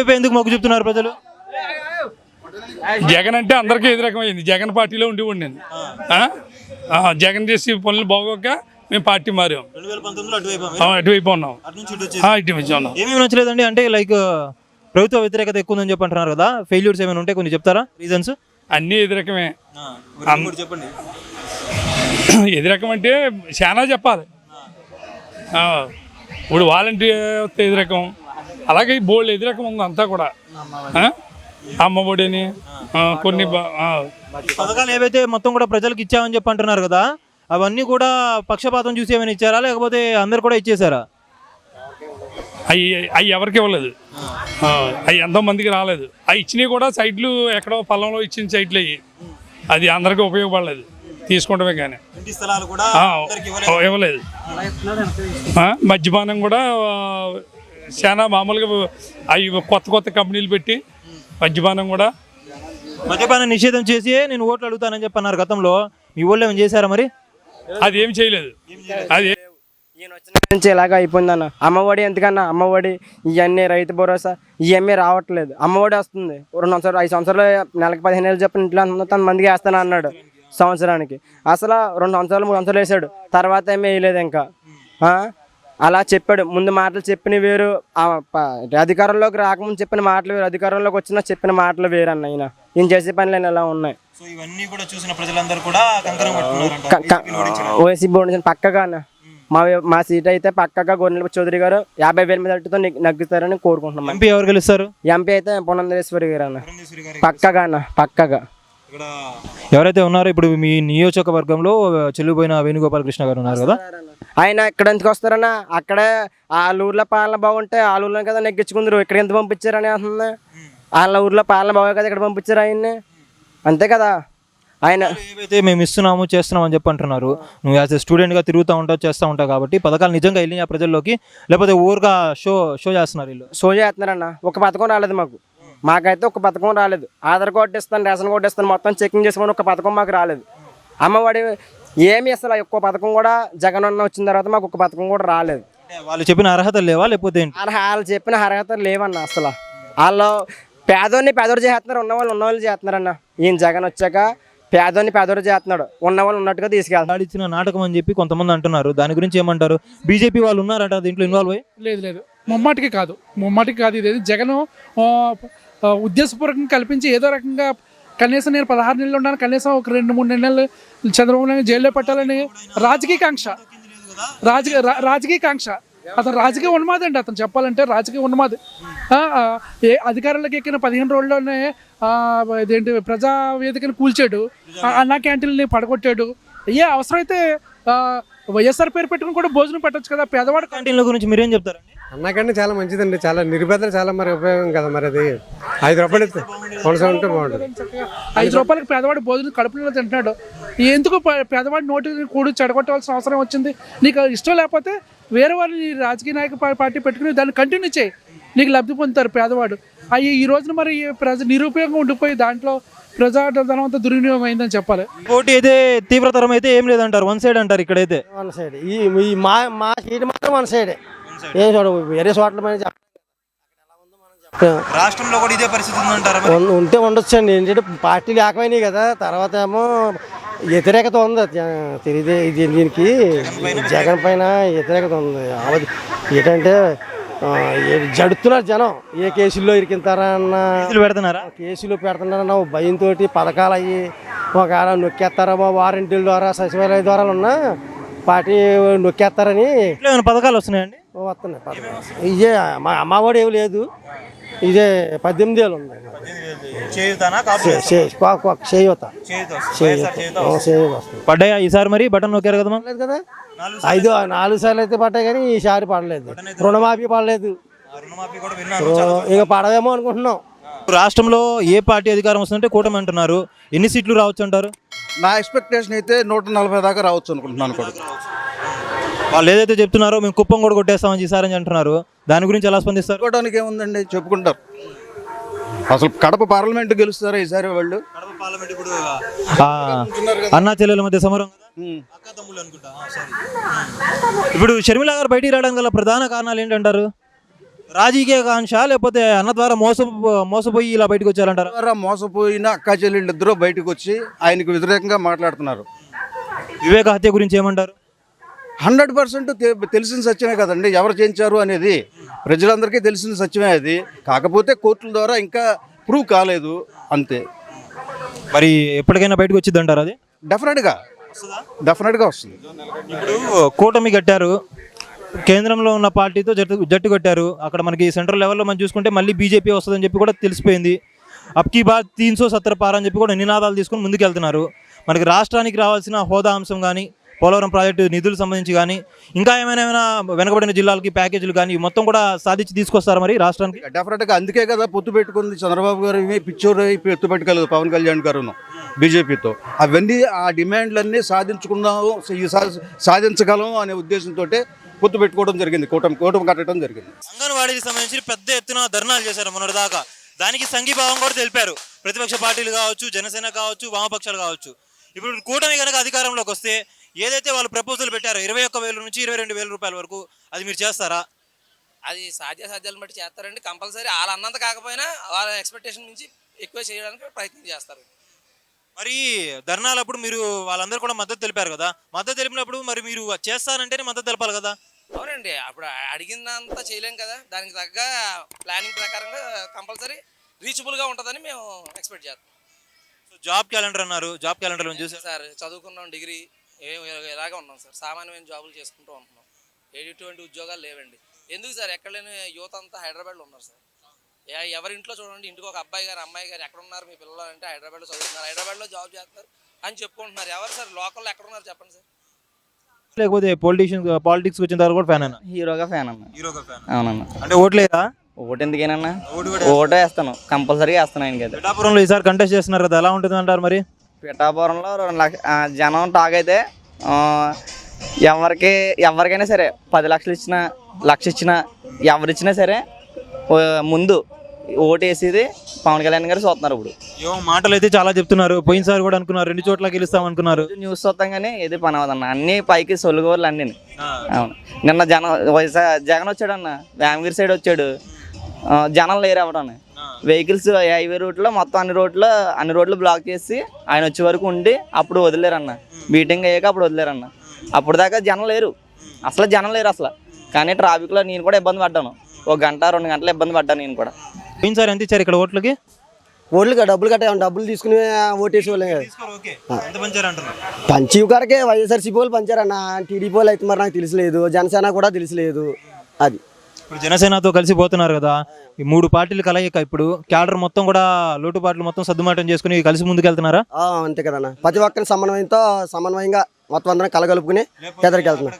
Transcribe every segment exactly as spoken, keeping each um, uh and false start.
వైపు ఎందుకు మొగ్గు చూపుతున్నారు ప్రజలు? జగన్ అంటే అందరికీ ఎదురకమైంది. జగన్ పార్టీలో ఉండి ఉండింది. జగన్ చేసి పనులు బాగోక మేము పార్టీ మారాం. అటువైపు ఉన్నాం. ఇటువైపు ఉన్నాం. ఏమేమి నచ్చలేదండి? అంటే లైక్ ప్రభుత్వ వ్యతిరేకత ఎక్కువ ఉందని చెప్పి అంటున్నారు కదా, ఫెయిల్యూర్స్ ఏమైనా ఉంటే కొన్ని చెప్తారా రీజన్స్? అన్నీ ఎదురకమే. చెప్పండి. ఎదురకం అంటే చాలా చెప్పాలి. ఇప్పుడు వాలంటీర్ ఎదురకం, అలాగే బోల్డ్ ఎదురకం ఉంది అంతా కూడా. అమ్మఒడిని కొన్ని పథకాలు ఏవైతే మొత్తం కూడా ప్రజలకు ఇచ్చామని చెప్పి అంటున్నారు కదా, అవన్నీ కూడా పక్షపాతం చూసి ఏమైనా ఇచ్చారా లేకపోతే అందరు కూడా ఇచ్చేసారా? అవి అవి ఎవరికి ఇవ్వలేదు. అవి ఎంతో మందికి రాలేదు. అవి ఇచ్చినవి కూడా సైట్లు ఎక్కడో పొలంలో ఇచ్చిన సైట్లు అయ్యి, అది అందరికీ ఉపయోగపడలేదు. తీసుకుంటమే కానీ ఇవ్వలేదు. మద్యపానం కూడా చాలా మామూలుగా అవి కొత్త కొత్త కంపెనీలు పెట్టి మద్యపానం కూడా మద్యపానం నిషేధం చేసి నేను ఓట్లు అడుగుతానని చెప్పన్నారు గతంలో. మీ ఊళ్ళో ఏం చేశారా మరి? అది ఏం చేయలేదు. అది ఈయన వచ్చిన నుంచి ఇలాగ అయిపోయిందన్న. అమ్మఒడి ఎందుకన్నా, అమ్మఒడి ఇవన్నీ రైతు భరోసా ఇవన్నీ రావట్లేదు. అమ్మఒడి వస్తుంది రెండు సంవత్సరాలు ఐదు సంవత్సరాలు నెలకి పదిహేను వేలు చెప్పిన ఇంట్లో తన మందికి వేస్తాను అన్నాడు సంవత్సరానికి. అసలు రెండు సంవత్సరాలు మూడు సంవత్సరాలు వేసాడు, తర్వాత ఏమీ వేయలేదు. ఇంకా అలా చెప్పాడు. ముందు మాటలు చెప్పిన వేరు, అధికారంలోకి రాకముందు చెప్పిన మాటలు వేరు, అధికారంలోకి వచ్చినా చెప్పిన మాటలు వేరు అన్న. ఈయన ఈయన చేసే పనులు ఎలా ఉన్నాయి. ఓసీ బోర్డు పక్కగా అన్న. మా మా సీట్ అయితే పక్కగా గొర్రెల చౌదరి గారు యాభై వేల మీద అట్టుతో నగ్గుతారని కోరుకుంటున్నాం. ఎంపీ ఎవరు గెలుస్తారు? ఎంపీ అయితే పురంధరేశ్వరి గారు అన్న. పక్కగా అన్న, పక్కగా. ఎవరైతే ఉన్నారో ఇప్పుడు మీ నియోజకవర్గంలో చెల్లిపోయిన వేణుగోపాలకృష్ణ గారు ఉన్నారు కదా, ఆయన ఇక్కడ ఎందుకు వస్తారన్న? అక్కడే వాళ్ళ ఊర్లో పాలన బాగుంటే వాళ్ళ ఊర్లో కదా నెగ్గించుకుందరు. ఇక్కడ ఎంత పంపించారని అంటుంది. వాళ్ళ ఊర్లో పాలన బాగా కదా ఇక్కడ పంపించారు ఆయన్ని, అంతే కదా. ఆయన ఏవైతే మేము ఇస్తున్నాము చేస్తున్నాం అని చెప్పి అంటున్నారు. నువ్వు యాజ్ ఎ స్టూడెంట్గా తిరుగుతూ ఉంటావు, చేస్తూ ఉంటావు కాబట్టి పథకాలు నిజంగా వెళ్ళినాయి ప్రజల్లోకి లేకపోతే ఊరుగా షో షో చేస్తున్నారు? వీళ్ళు షో చేస్తున్నారన్న. ఒక పథకం రాలేదు మాకు. మాకైతే ఒక పథకం రాలేదు. ఆధార్ కార్డు ఇస్తాను, రేషన్ కార్డు ఇస్తాను, మొత్తం చెకింగ్ చేసుకొని ఒక పథకం మాకు రాలేదు. అమ్మఒడి ఏమి అసలు ఒక్క పథకం కూడా జగన్ అన్న వచ్చిన తర్వాత మాకు ఒక పథకం కూడా రాలేదు. వాళ్ళు చెప్పిన అర్హతలు లేవా లేకపోతే వాళ్ళు చెప్పిన అర్హతలు లేవన్న. అసలు వాళ్ళు పేదోడిని పేదోడు చేస్తున్నారు, ఉన్నవాళ్ళు ఉన్నవాళ్ళు చేస్తున్నారన్న. ఈయన జగన్ వచ్చాక పేదోడిని పేదోడు చేస్తున్నాడు, ఉన్నవాళ్ళు ఉన్నట్టుగా తీసుకెళ్తాడు. ఇచ్చిన నాటకం అని చెప్పి కొంతమంది అంటున్నారు. దాని గురించి ఏమంటారు? బీజేపీ వాళ్ళు ఉన్నారట దీంట్లో ఇన్వాల్వ్ అయ్యి? లేదు లేదు, ముమ్మాటికి కాదు, ముమ్మాటికి కాదు. ఇది జగన్ ఉద్దేశపూర్వకంగా కల్పించి ఏదో రకంగా కనీసం నేను పదహారు నెలలు ఉన్నాను, కనీసం ఒక రెండు మూడు నెలలు చంద్రబాబు నాయుడు జైల్లో పెట్టాలని రాజకీయ కాంక్ష, రాజకీయ రాజకీయ కాంక్ష. అతను రాజకీయ ఉన్మాది అండి. అతను చెప్పాలంటే రాజకీయ ఉన్మాది. ఏ అధికారంలోకి ఎక్కిన పదిహేను రోజుల్లోనే ఇదేంటి ప్రజా వేదికను కూల్చాడు, అన్నా క్యాంటీన్ని పడగొట్టాడు. ఏ అవసరమైతే వైఎస్ఆర్ పేరు పెట్టుకుని కూడా భోజనం పెట్టచ్చు కదా. పేదవాడు క్యాంటీన్ల గురించి మీరేం చెప్తారండి? అన్నకంటే చాలా మంచిదండి, చాలా నిరుపేదలు చాలా మరి ఉపయోగం కదా. మరి అది ఐదు రూపాయలు కొనసా ఉంటే బాగుంటుంది. ఐదు రూపాయలకి పేదవాడు భోజనం కడుపులో తింటున్నాడు. ఎందుకు పేదవాడి నోటి కూడి చెడగొట్టవలసిన అవసరం వచ్చింది? నీకు ఇష్టం లేకపోతే వేరే వాళ్ళని రాజకీయ నాయక పార్టీ పెట్టుకుని దాన్ని కంటిన్యూ చేయి, నీకు లబ్ధి పొందుతారు పేదవాడు. అవి ఈ రోజున మరి ప్రజ నిరుపయోగం ఉండిపోయి దాంట్లో ప్రజాధనం అంతా దుర్వినియోగం అయిందని చెప్పాలి. పోటీ అయితే తీవ్రతరం అయితే ఏం లేదంటారు, వన్ సైడ్ అంటారు. ఇక్కడైతే వన్ సైడ్. ఈ మా మా సీట్ మాత్రం వన్ సైడే. ఏం చూడ వేరే చోట్ల రాష్ట్రంలో కూడా ఇదే పరిస్థితి ఉందంటారా? ఉంటే ఉండొచ్చు అండి. ఏంటంటే పార్టీలు ఏకమైనాయి కదా. తర్వాత ఏమో వ్యతిరేకత ఉంది తెలియదే ఇది, దీనికి జగన్ పైన వ్యతిరేకత ఉంది. ఏంటంటే జడుతున్నారు జనం. ఏ కేసుల్లో ఇరికింతారా అన్న పెడుతున్నారా, కేసులు పెడుతున్నారన్న భయంతో పథకాలు అయ్యి ఒకవేళ నొక్కేస్తారేమో వారంటీల ద్వారా సచివాలయ ద్వారా ఉన్న పార్టీ నొక్కేస్తారని. పథకాలు వస్తున్నాయండి? వస్తున్నాయి పథకాలు. ఇదే మా అమ్మఒడి ఏమి లేదు, ఇదే పద్దెనిమిది ఏళ్ళు ఉంది. పడ్డాయా ఈసారి? మరి బటన్ నొక్కారు కదా కదా. ఐదు నాలుగు సార్లు అయితే పడ్డాయి కానీ ఈసారి పడలేదు. రుణమాఫీ పడలేదు, ఇక పడదేమో అనుకుంటున్నాం. రాష్ట్రంలో ఏ పార్టీ అధికారం వస్తుందంటే కూటమి అంటున్నారు. ఎన్ని సీట్లు రావచ్చు అంటారు? నా ఎక్స్పెక్టేషన్ అయితే నూట నలభై దాకా రావచ్చు అనుకుంటున్నాను. కూడా వాళ్ళు ఏదైతే చెప్తున్నారో మేము కుప్పం కూడా కొట్టేస్తామని ఈసారి అంటున్నారు. దాని గురించి ఎలా స్పందిస్తారు? చెప్పుకోవడానికి ఏముందండి, చెప్పుకుంటారు. అసలు కడప పార్లమెంట్ గెలుస్తారా ఈసారి వాళ్ళు? అన్నా చెల్లెల మధ్య సమరం. ఇప్పుడు షర్మిల గారు బయటికి రావడానికి గల ప్రధాన కారణాలు ఏంటంటారు? రాజకీయ కాంక్ష లేకపోతే అన్న ద్వారా మోస మోసపోయి ఇలా బయటకు వచ్చారంటారా? ద్వారా మోసపోయిన అక్క చెల్లెళ్ళిద్దరూ బయటకు వచ్చి ఆయనకు వ్యతిరేకంగా మాట్లాడుతున్నారు. వివేక హత్య గురించి ఏమంటారు? హండ్రెడ్ పర్సెంట్ తెలిసిన సత్యమే కదండి, ఎవరు చేయించారు అనేది ప్రజలందరికీ తెలిసిన సత్యమే అది. కాకపోతే కోర్టుల ద్వారా ఇంకా ప్రూవ్ కాలేదు అంతే. మరి ఎప్పటికైనా బయటకు వచ్చింది అంటారు అది? డెఫినెట్గా డెఫినెట్గా వస్తుంది. ఇప్పుడు కూటమి కట్టారు, కేంద్రంలో ఉన్న పార్టీతో జట్టు జట్టు కట్టారు. అక్కడ మనకి సెంట్రల్ లెవెల్లో మనం చూసుకుంటే మళ్ళీ బీజేపీ వస్తుందని చెప్పి కూడా తెలిసిపోయింది. అబ్కి బాద్ తీన్ సో సత్తర్ పార్ అని చెప్పి కూడా నినాదాలు తీసుకొని ముందుకెళ్తున్నారు. మనకి రాష్ట్రానికి రావాల్సిన హోదా అంశం కానీ, పోలవరం ప్రాజెక్టు నిధులకు సంబంధించి కానీ, ఇంకా ఏమైనా ఏమైనా వెనకబడిన జిల్లాలకి ప్యాకేజీలు కానీ మొత్తం కూడా సాధించి తీసుకొస్తారు మరి రాష్ట్రానికి. డెఫినెట్గా అందుకే కదా పొత్తు పెట్టుకుంది చంద్రబాబు గారు, ఇవి పిచ్చోరు పొత్తు పెట్టుకోలేదు పవన్ కళ్యాణ్ గారును బీజేపీతో. అవన్నీ ఆ డిమాండ్లన్నీ సాధించుకున్నాము, ఈ సా- సాధించగలం అనే ఉద్దేశంతో పొత్తు పెట్టుకోవడం జరిగింది, కూటమి కూటమి కట్టడం జరిగింది. అంగన్వాడీకి సంబంధించి పెద్ద ఎత్తున ధర్నాలు చేశారు మొన్నటి దాకా. దానికి సంఘీభావం కూడా తెలిపారు ప్రతిపక్ష పార్టీలు కావచ్చు, జనసేన కావచ్చు, వామపక్షాలు కావచ్చు. ఇప్పుడు కూటమి కనుక అధికారంలోకి వస్తే ఏదైతే వాళ్ళు ప్రపోజల్ పెట్టారో ఇరవై ఒక్క వేల నుంచి ఇరవై రెండు వేల రూపాయల వరకు, అది మీరు చేస్తారా? అది సాధ్య సాధ్యాలను బట్టి చేస్తారండి. కంపల్సరీ వాళ్ళు అన్నంత కాకపోయినా వాళ్ళ ఎక్స్పెక్టేషన్ నుంచి ఎక్కువ చేయడానికి ప్రయత్నం చేస్తారు. మరి ధర్నాలప్పుడు మీరు వాళ్ళందరూ కూడా మద్దతు తెలిపారు కదా, మద్దతు తెలిపినప్పుడు మరి మీరు చేస్తానంటేనే మద్దతు తెలపాలి కదా. అవునండి, అప్పుడు అడిగిందంతా చేయలేం కదా, దానికి తగ్గ ప్లానింగ్ ప్రకారంగా కంపల్సరీ రీచబుల్గా ఉంటుందని మేము ఎక్స్పెక్ట్ చేస్తాం. సో జాబ్ క్యాలెండర్ అన్నారు, జాబ్ క్యాలెండర్ చూసారు సార్ చదువుకున్నాం, డిగ్రీ ఏ ఇలాగే ఉన్నాం సార్, సామాన్యమైన జాబులు చేసుకుంటూ ఉంటున్నాం. ఎటువంటి ఉద్యోగాలు లేవండి. ఎందుకు సార్ ఎక్కడ లేని యువత అంతా హైదరాబాద్లో ఉన్నారు సార్. ఏ- ఎవరి ఇంట్లో చూడండి, ఇంటికి ఒక అబ్బాయి గారు అమ్మాయి గారు ఎక్కడ ఉన్నారు మీ పిల్లలు అంటే హైదరాబాద్లో చదువుతున్నారు, హైదరాబాద్లో జాబ్ చేస్తున్నారు అని చెప్పుకుంటున్నారు. ఎవరు సార్ లోకల్లో ఎక్కడ ఉన్నారు చెప్పండి సార్. లేకపోతే పొలిటీషియన్ పాలిటిక్స్ వచ్చిన తర్వాత కూడా ఫ్యాన్ అన్న? హీరోగా ఫ్యాన్ అన్న. హీరోగా ఫ్యాన్ అవునన్న. అంటే ఓట్లేదా? ఓటు ఎందుకేనన్నా, ఓటు వేస్తాను, కంపల్సరీగా వేస్తాను ఆయనకి. అయితే పిఠాపురంలో ఈసారి కంటెస్ట్ చేస్తున్నారు కదా, ఎలా ఉంటుంది అంటారు మరి? పిఠాపురంలో రెండు లక్ష ఆ, జనం టాక్ అయితే ఆ, ఎవరికి ఎవరికైనా సరే పది లక్షలు ఇచ్చినా లక్ష ఇచ్చినా ఎవరిచ్చినా సరే ఓ, ముందు ఓటు వేసేది పవన్ కళ్యాణ్ గారు చూస్తున్నారు. ఇప్పుడు ఏమో మాటలు అయితే చాలా చెప్తున్నారు, పోయినసారి కూడా అనుకున్నారు రెండు చోట్ల గెలుస్తాం అనుకున్నారు. న్యూస్ చూస్తాం కానీ ఏది పని అవ్వదన్న, అన్ని పైకి సొలుగోర్లు అన్నీ. అవును, నిన్న జనం వైఎస్ఆర్ జగన్ వచ్చాడు అన్న, వేమగిరి సైడ్ వచ్చాడు, ఆ, జనం లేరు అవ్వడం. వెహికల్స్ హైవే రూట్లో మొత్తం అన్ని రోడ్లు అన్ని రోడ్లు బ్లాక్ చేసి ఆయన వచ్చే వరకు ఉండి అప్పుడు వదిలేరన్న. మీటింగ్ అయ్యాక అప్పుడు వదిలేరన్న. అప్పుడు దాకా జనం లేరు, అసలు జనం లేరు అసలు. కానీ ట్రాఫిక్లో నేను కూడా ఇబ్బంది పడ్డాను, ఒక గంట రెండు గంటలు ఇబ్బంది పడ్డాను నేను కూడా. పోయినసారి ఎంత ఇచ్చారు ఇక్కడ ఓట్లకి? ఓట్లు డబ్బులు కట్టే డబ్బులు తీసుకుని ఓటేసి వాళ్ళే కదా. పంచి గారికి వైఎస్ఆర్సీపీ వాళ్ళు పంచారన్న, టీడీపీ వాళ్ళు అయితే మరి నాకు తెలియలేదు, జనసేన కూడా తెలియలేదు. అది ఇప్పుడు జనసేనతో కలిసి పోతున్నారు కదా, ఈ మూడు పార్టీలు కలయిక ఇప్పుడు క్యాడర్ మొత్తం కూడా లోటుపాట్లు మొత్తం సర్దుమాటం చేసుకుని కలిసి ముందుకు వెళ్తున్నారా? ఆ, అంతే కదన్న, ప్రతి ఒక్కరి సమన్వయంతో సమన్వయంగా మొత్తం అందరం కలగలుపుకుని ఎదరికి వెళ్తున్నాం.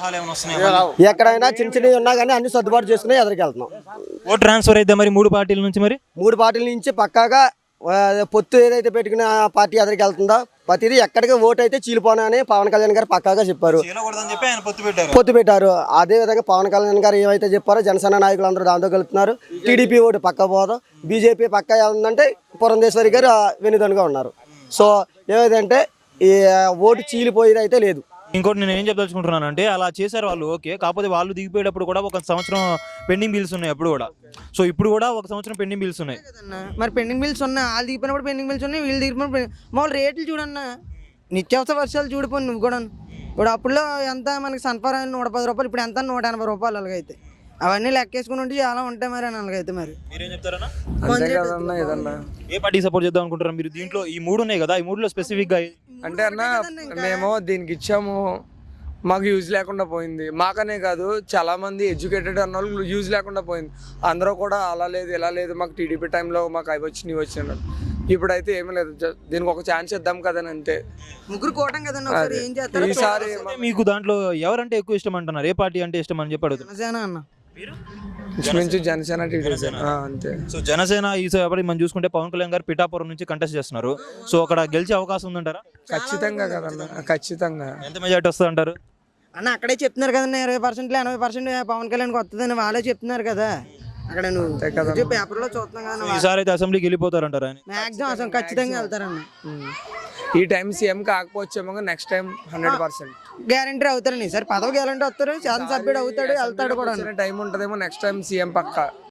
ఎక్కడైనా చిన్న చిన్నవి ఉన్నా కానీ అన్ని సర్దుబాటు చేసుకుని ఎదరికి వెళ్తున్నాం. ఓట్ ట్రాన్స్ఫర్ అయితే మరి మూడు పార్టీల నుంచి మరి మూడు పార్టీల నుంచి పక్కాగా ఆ, పొత్తు ఏదైతే పెట్టుకున్న పార్టీ ఎదరికి వెళ్తుందో ప్రతిదీ ఎక్కడికి ఓటు అయితే చీలిపోనా అని పవన్ కళ్యాణ్ గారు పక్కాగా చెప్పారు, పొత్తు పెట్టారు. అదే విధంగా పవన్ కళ్యాణ్ గారు ఏవైతే చెప్పారో జనసేన నాయకులు అందరూ దాంతో కలుపుతున్నారు. టీడీపీ ఓటు పక్క పోదు, బీజేపీ పక్క ఉందంటే పురంధేశ్వరి గారు వెనుదనుగా ఉన్నారు. సో ఏమైందంటే ఈ ఓటు చీలిపోయేది అయితే లేదు. ఇంకోటి నేను ఏం చెప్పదలుచుకుంటున్నాను అంటే, అలా చేశారు వాళ్ళు ఓకే, కాకపోతే వాళ్ళు దిగిపోయేటప్పుడు కూడా ఒక సంవత్సరం పెండింగ్ బిల్స్ ఉన్నాయి అప్పుడు కూడా. సో ఇప్పుడు కూడా ఒక సంవత్సరం పెండింగ్ బిల్స్ ఉన్నాయి. మరి పెండింగ్ బిల్స్ ఉన్నాయి, వాళ్ళు దిగిపోయినప్పుడు పెండింగ్ బిల్స్ ఉన్నాయి, వీళ్ళు దిగిపోయినప్పుడు మామూలు రేట్లు చూడన్న, నిత్యావసర వర్షాలు చూడిపోయి నువ్వు కూడా. ఇప్పుడు అప్పుడులో ఎంత మనకి సన్ఫర్ నూట పది రూపాయలు, ఇప్పుడు ఎంత నూట ఎనభై రూపాయలు. అలాగైతే అవన్నీ లెక్కేసుకుని ఉంటే చాలా ఉంటాయి మరి అని అలాగైతే. మరి మీరేం చెప్తారన్నా? ఏదన్నా ఏ పార్టీ సపోర్ట్ చేద్దాం అనుకుంటారు మీరు? దీంట్లో ఈ మూడు ఉన్నాయి కదా, ఈ మూడులో స్పెసిఫిక్ గా అంటే అన్న మేము దీనికి ఇచ్చాము, మాకు యూజ్ లేకుండా పోయింది. మాకనే కాదు చాలా మంది ఎడ్యుకేటెడ్ అన్న వాళ్ళు యూజ్ లేకుండా పోయింది. అందరూ కూడా అలా లేదు ఇలా లేదు, మాకు టీడీపీ టైంలో మాకు అవి వచ్చి నీవు వచ్చినాడు. ఇప్పుడైతే ఏమీ లేదు, దీనికి ఒక ఛాన్స్ ఇద్దాం కదని అంతే. ముగ్గురు కోటం కదండి, ఒకసారి ఏం చేస్తారు. ఈసారి మీకు దాంట్లో ఎవరంటే ఎక్కువ ఇష్టం అంటున్నారు? ఏ పార్టీ అంటే ఇష్టం అని చెప్పి అడుగుతున్నారు. జనసేన అన్న, నుంచి జనసేన టీడీపీ అంతే. సో జనసేన ఈసారి మనం చూసుకుంటే పవన్ కళ్యాణ్ గారు పిఠాపురం నుంచి కంటెస్ట్ చేస్తున్నారు. సో అక్కడ గెలిచే అవకాశం ఉందంటారా? ఖచ్చితంగా కదన్న, ఖచ్చితంగా. ఎంత మెజార్టీ వస్తుంది అంటారు అన్న? అక్కడే చెప్తున్నారు కదన్నా, ఇరవై పర్సెంట్లో ఎనభై పర్సెంట్ పవన్ కళ్యాణ్కి వస్తుందని వాళ్ళే చెప్తున్నారు కదా. అక్కడ నువ్వు పేపర్లో చూస్తున్నాం కదా. ఈసారి అయితే అసెంబ్లీకి వెళ్ళిపోతారంటారా? మ్యాక్సిమం అసలు ఖచ్చితంగా వెళ్తారన్న. ఈ టైం సీఎం కాకపోవచ్చేమో next time hundred percent guarantee అవుతారని సార్ పదవి గ్యారంటీ వస్తారు శాసనసభ్యుడు అవుతాడు వెళ్తాడు కూడా టైం ఉంటుందేమో నెక్స్ట్ టైం సీఎం పక్క